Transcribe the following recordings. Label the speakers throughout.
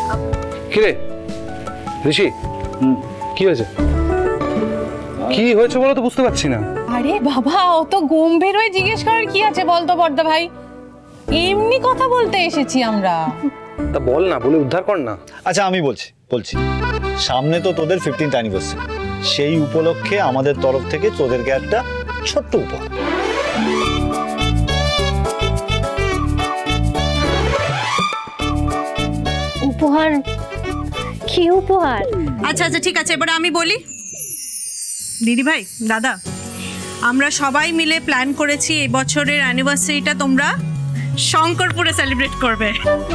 Speaker 1: কিরে ঋষি, কি হয়েছে? কি হয়েছে বলো তো, বুঝতে পারছি না।
Speaker 2: আরে বাবা, অত গম্ভীর হয়ে জিজ্ঞেস করার কি আছে বলতো বড়দা ভাই, এমনি কথা বলতে এসেছি আমরা।
Speaker 1: তা বল না, বলে উদ্ধার কর না।
Speaker 3: আচ্ছা আমি বলছি সামনে তো তোদের 15th অ্যানিভার্সারি, সেই উপলক্ষে আমাদের তরফ থেকে তোদেরকে একটা ছোট্ট উপহার।
Speaker 4: উপহার? কি উপহার?
Speaker 5: আচ্ছা আচ্ছা ঠিক আছে, এবার আমি বলি। দিদি ভাই, দাদা, আমরা সবাই মিলে প্ল্যান করেছি এই বছরের অ্যানিভার্সারিটা তোমরা শঙ্করপুরে সেলিব্রেট করবে।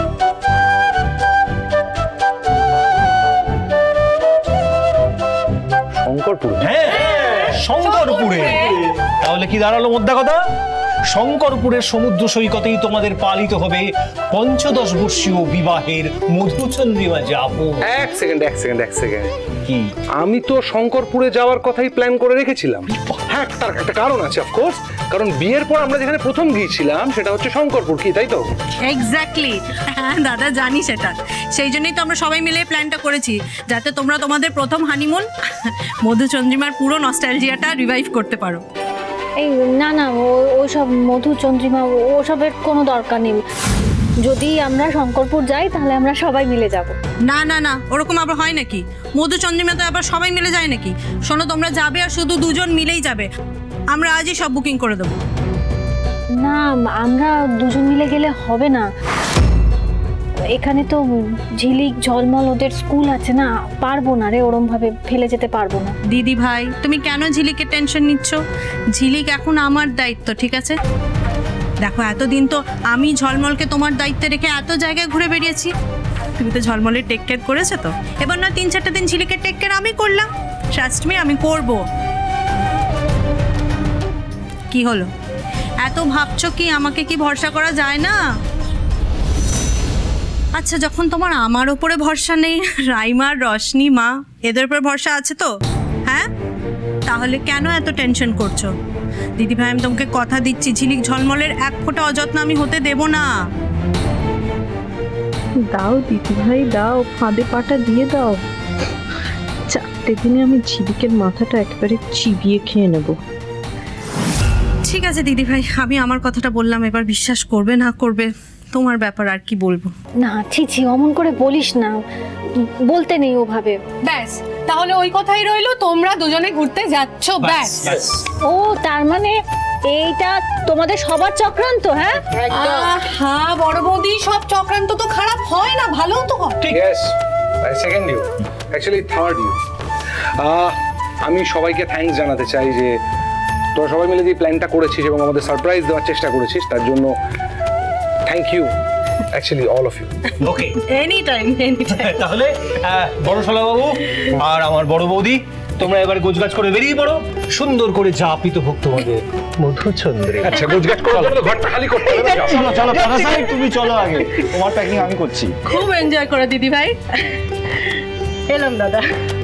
Speaker 1: শঙ্করপুর?
Speaker 6: হ্যাঁ, শঙ্করপুরে। তাহলে কি দাঁড়ালো মোদ্দা কথা? শঙ্করপুরের সমুদ্র সৈকতেই তোমাদের পালিত হবে 15 বর্ষীয় বিবাহের মধুচন্দ্রিমা যাপন।
Speaker 1: এক সেকেন্ড।
Speaker 6: কি?
Speaker 1: আমি তো শঙ্করপুরে যাওয়ার কথাই প্ল্যান করে রেখেছিলাম। হ্যাঁ, তার একটা কারণ আছে অফকোর্স, কারণ বিয়ের পর আমরা যেখানে প্রথম গিয়েছিলাম সেটা হচ্ছে শঙ্করপুর, কি তাই তো?
Speaker 5: এক্স্যাক্টলি, হ্যাঁ দাদা জানি সেটা। সেই জন্যই তো আমরা সবাই মিলে প্ল্যানটা করেছি, যাতে তোমরা তোমাদের প্রথম হানিমুন মধুচন্দ্রিমার পুরো নস্টালজিয়াটা রিভাইভ করতে পারো।
Speaker 4: এই না না, ওসব মধুচন্দ্রিমা ওসবের কোনো দরকার নেই। যদি আমরা শঙ্করপুর যাই তাহলে আমরা সবাই মিলে যাব।
Speaker 5: না না না, ওরকম আবার হয় নাকি? মধুচন্দ্রিমাতে আবার সবাই মিলে যায় নাকি? শোনো, তোমরা যাবে আর শুধু দুজন মিলেই যাবে। আমরা আজই সব বুকিং করে দেবো।
Speaker 4: না, আমরা দুজন মিলে গেলে হবে না। এখানে তো ঝিলিক ঝলমল ওদের স্কুল আছে না, পারবো না রে, ওরম ভাবে ফেলে যেতে পারবো না।
Speaker 5: দিদি ভাই, তুমি কেন ঝিলিকের টেনশন নিচ্ছ? ঝিলিক এখন আমার দায়িত্ব, ঠিক আছে? দেখো, এতদিন তো আমি ঝলমলকে তোমার দায়িত্বে রেখে এত জায়গায় ঘুরে বেরিয়েছি। তুমি তো ঝলমলের টেক কেয়ার করেছো, তো এবার না 3-4টা দিন ঝিলিকের টেক কেয়ার আমি করলাম। ট্রাস্ট মি, আমি করব। কি হলো, এত ভাবছো কি? আমাকে কি ভরসা করা যায় না? আচ্ছা, যখন তোমার আমার ওপরে ভরসা নেই, রাইমার, রশনি, মা এদের উপর ভরসা আছে তো, হ্যাঁ? তাহলে কেন এত টেনশন করছো? দিদি ভাই, আমি তোমাকে কথা দিচ্ছি, ঝিলিক ঝলমলের এক ফোঁটা অযত্ন আমি হতে দেব না।
Speaker 7: দাও দিদি ভাই, দাও, ফাঁদে পাটা দিয়ে দাও। 4টে দিনে আমি ঝিলিকের মাথাটা একেবারে চিবিয়ে খেয়ে নেব।
Speaker 5: ঠিক আছে দিদি ভাই, আমি আমার কথাটা বললাম, এবার বিশ্বাস করবে না করবে তোমার ব্যাপার, আর কি বলবো।
Speaker 4: না ছি, অমন করে বলিস না, বলতে নেই ওভাবে।
Speaker 2: ব্যাস, তাহলে ওই কথাই রইলো, তোমরা দুজনে ঘুরতে যাচ্ছ, ব্যাস।
Speaker 4: ও তার মানে এইটা তোমাদের সবার চক্রান্ত? হ্যাঁ
Speaker 2: হ্যাঁ বড় বৌদি, সব চক্রান্ত তো খারাপ হয় না, ভালো তো হয়।
Speaker 1: Yes, I second you, actually third you. আমি সবাইকে থ্যাঙ্কস জানাতে চাই যে তোরা সবাই মিলে যে প্ল্যানটা করেছিস এবং আমাদের সারপ্রাইজ দেওয়ার চেষ্টা করেছিস, তার জন্য thank you, actually all of you.
Speaker 6: Okay,
Speaker 5: any time.
Speaker 6: তাহলে বড় শালা বাবু আর আমার বড় বৌদি, তোমরা এবার গোছগাছ করে বেরিয়ে পড়ো। সুন্দর করে যাপিত হোক তোমাদের মধুচন্দ্রে।
Speaker 1: আচ্ছা, গোছগাছ করে ঘরটা খালি করতে হবে।
Speaker 3: চলো তুমি চলো আগে, তোমার প্যাকিং আমি করছি।
Speaker 5: খুব এনজয় করো দিদি ভাই। এলাম দাদা।